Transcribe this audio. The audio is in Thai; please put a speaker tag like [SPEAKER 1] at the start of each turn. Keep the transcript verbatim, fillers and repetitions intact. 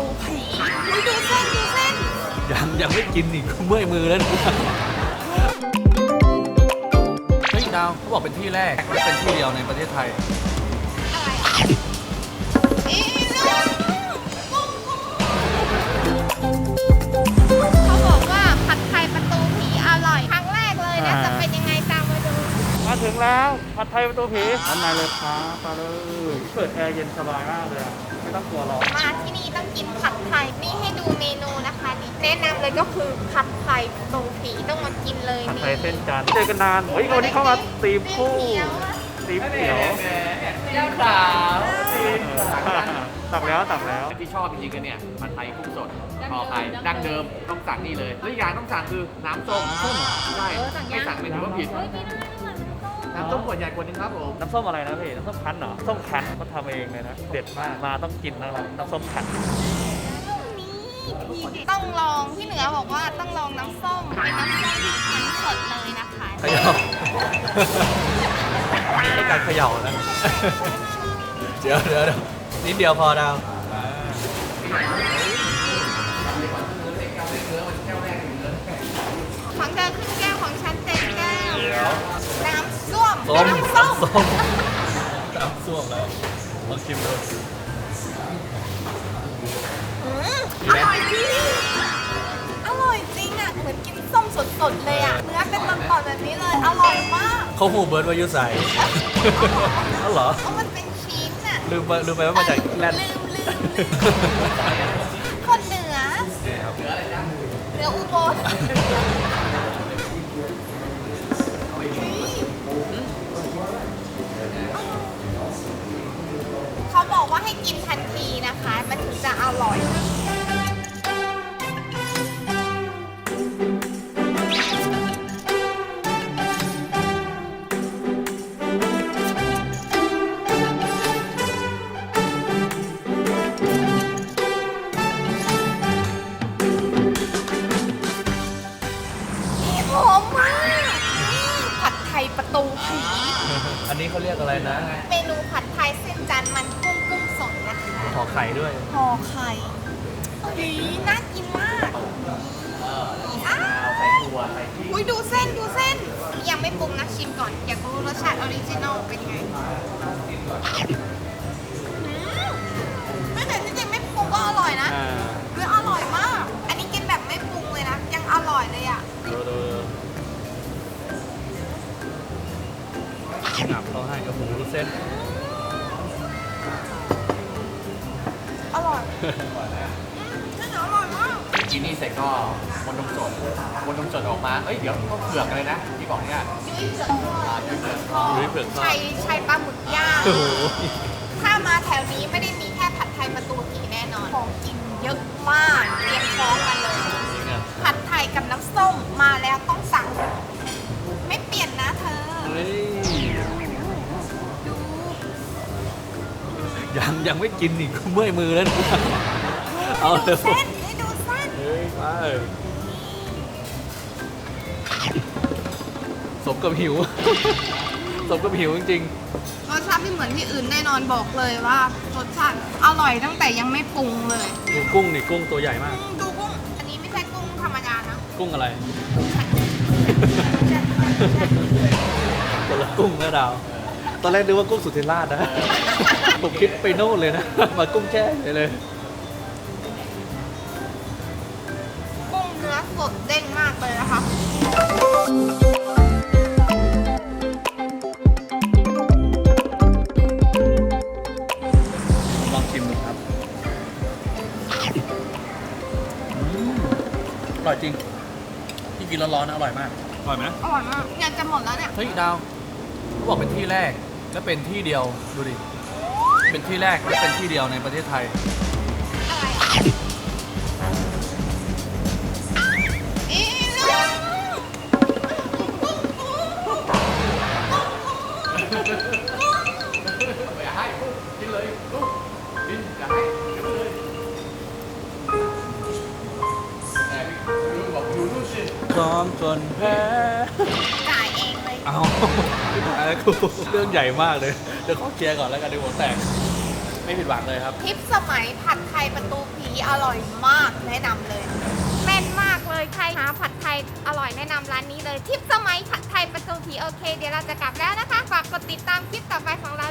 [SPEAKER 1] ตูผีดูเส้นดูเส้น
[SPEAKER 2] ยังยังไม่กินอีกเมื่อยมือแล้วเฮ้ยดาวเขาบอกเป็นที่แรกและเป็นที่เดียวในประเทศไทย
[SPEAKER 1] อะไรอีเขาบอกว่าผัดไทยประตูผีอร่อยครั้งแรกเลยนะจะเป็นยังไงตามมาดู
[SPEAKER 3] มาถึงแล้วผัดไทยประตูผีด้านในเลยครับมาเลยเปิดแอร์เย็นสบายมากเลยไม่ต้องกลัวร้อน
[SPEAKER 1] มาที่นี่ต้องกินผัดไทยนี่ให้ดูเมนูนะคะนี่แนะนำเลยก็คือผัดไทยประตูผีต้องมากินเลย
[SPEAKER 3] ผัด
[SPEAKER 1] นี่
[SPEAKER 3] ไทยเส้นจันทร์เจอกันนานเฮ้ยวันนี้เข้ามาตีมคู่ตีมเขียว
[SPEAKER 2] เจ้าสาว
[SPEAKER 3] ตักแล้วตักแล้ว
[SPEAKER 4] ที่ชอบจริงๆกันเนี่ยผัดไทยกุ้งสดพอไข่ดั้งเดิมต้องสั่งนี่เลยแล้วอีกอย่างต้องสั่งคือน้ำส้มส้มใช่ไม่สั่งไม่ถือว่าผิดน้ำส้มขวดใหญ่ขวดนึงครับผม
[SPEAKER 3] น้ำส้มอะไรนะพี่น้ำส้มคั้นเหรอส้มคั้นเขาทำเองเลยนะเด็ดมากมาต้องกินนะครับน้ำส้มคั้น
[SPEAKER 1] ต้องลองพี่เหนือบอกว่าต้องลองน้ำส้มเป็นน้ำส้มที่คั้นสดเลยนะคะ
[SPEAKER 2] เขย่าต้องการเขย่านะเดี๋ยวเดี๋ยวนิดเดียวพอดาว
[SPEAKER 1] ของเธอครึ่งแก้วของฉันเต็มแก้วน้ำส้ม
[SPEAKER 2] น้ำส้มน้ำส้มแล้วลองชิมดู
[SPEAKER 1] อร่อยจริงอร่อยจริงอ่ะเหมือนกินส้มสดๆเลยอ่ะเนื้อเป็นตอนๆแบบนี้เลยอร่อยมาก
[SPEAKER 2] เขาหูเบิร์ดวายุใส่อ๋อเหรอ
[SPEAKER 1] เพราะมันเป็นชีสอ่ะ
[SPEAKER 2] ลืมไปลืมไปว่ามาจากแลนด์
[SPEAKER 1] ลืมลืมคนเหนือเหนืออุบลเขาบอกว่าให้กินทันทีนะคะมันถึงจะอร่อยหอมมากผัดไทยประตูผี
[SPEAKER 2] อันนี้เขาเรียกอะไรนะ
[SPEAKER 1] เมนูผัดไทยเส้นจันทร์มันกุ้งกุ้งสดนะคะ
[SPEAKER 2] ห่อไข่ด้วย
[SPEAKER 1] ห่อไข่ดีน่ากินมากอ้าว
[SPEAKER 4] ใส่ถั่วใส่พริก
[SPEAKER 1] อุ้ยดูเส้นดูเส้นยังไม่ปรุงนะชิมก่อนอยากรู้รสชาติออริจินอลเป็นไงไม่แต่จริงๆไม่ปรุงก็อร่อยนะคืออร่อยมากอันนี้กินแบบไม่ปรุงเลยนะยังอร่อยเลยอ่ะ
[SPEAKER 2] หนับเขาให้กระหูเส้น
[SPEAKER 1] อร่อยเส้นอร่อยมาก
[SPEAKER 4] กินนี่เสร็จก็วนนมสดวนนมสดออกมาเอ้ยเดี๋ยวต้องเผือกเลยนะที่บอกเนี่ย
[SPEAKER 1] ยุ้ยเผือกทอด
[SPEAKER 4] ยุ้ยเผือกทอด
[SPEAKER 1] ชัยชัยปลาหมึกย่างถ้ามาแถวนี้ไม่ได้มีแค่ผัดไทยประตูผีแน่นอนของกินเยอะมากเตรียมพร้อมกันเลยผัดไทยกับน้ำส้มมาแล้วต้องสั่งไม่เปลี่ยนนะเธอดู
[SPEAKER 2] ยังยังไม่กินอีกเมื่อยมือแล้วเอาเ
[SPEAKER 1] ลยเส้นให้ดูเส้น
[SPEAKER 2] เฮ้ยไปสมกับหิวสมกับหิวจริง
[SPEAKER 1] ๆรสชาติไม่เหมือนที่อื่นแน่นอนบอกเลยว่ารสชาติอร่อยตั้งแต่ยังไม่ปรุงเลย
[SPEAKER 2] ดูกุ้งนี่กุ้งตัวใหญ่มาก
[SPEAKER 1] ดูกุ้งอันนี้ไม่ใช่กุ้งธรรมดานะ
[SPEAKER 2] กุ้งอะไรคนละกุ้งนะดาวตอนแรกนึกว่ากุ้งสุธิราชนะผมคิดไปโน่นเลยนะมากุ้งแช่เลย
[SPEAKER 1] กุ้งเนื้อสดเด้งมากเลยนะคะ
[SPEAKER 2] ลองชิมดูครับอร่อยจริงที่กินร้อนๆนะอร่อยมากอร่อยไหม
[SPEAKER 1] อร่อยมากอยากจะหมดแล้วเนี่ย
[SPEAKER 2] เฮ้ยดาวเขาบอกเป็นที่แรกและเป็นที่เดียวดูดิเป็นที่แรกและเป็นที่เดียวในประเทศไทย
[SPEAKER 1] อะไรอีลู
[SPEAKER 4] อย่าให้กินเลยลูกกินอย่าให้กินเลยแต่ลูกบอกอยู่ลูกสิ
[SPEAKER 2] พร้อมจนแพ้
[SPEAKER 1] จ่ายเองเลย
[SPEAKER 2] เอาอะไรกูเรื่องใหญ่มากเลยเดี๋ยวขอเคลียร์ก่อนแล้วกันเดี๋ยวหัวแตกไม่ผิดหวังเลยครับ
[SPEAKER 1] ทิปสมัยผัดไทยประตูผีอร่อยมากแนะนำเลยแม่นมากเลยใครหาผัดไทยอร่อยแนะนำร้านนี้เลยทิปสมัยผัดไทยประตูผีโอเค เดี๋ยวเราจะกลับแล้วนะคะฝากกดติดตามคลิปต่อไปของเรา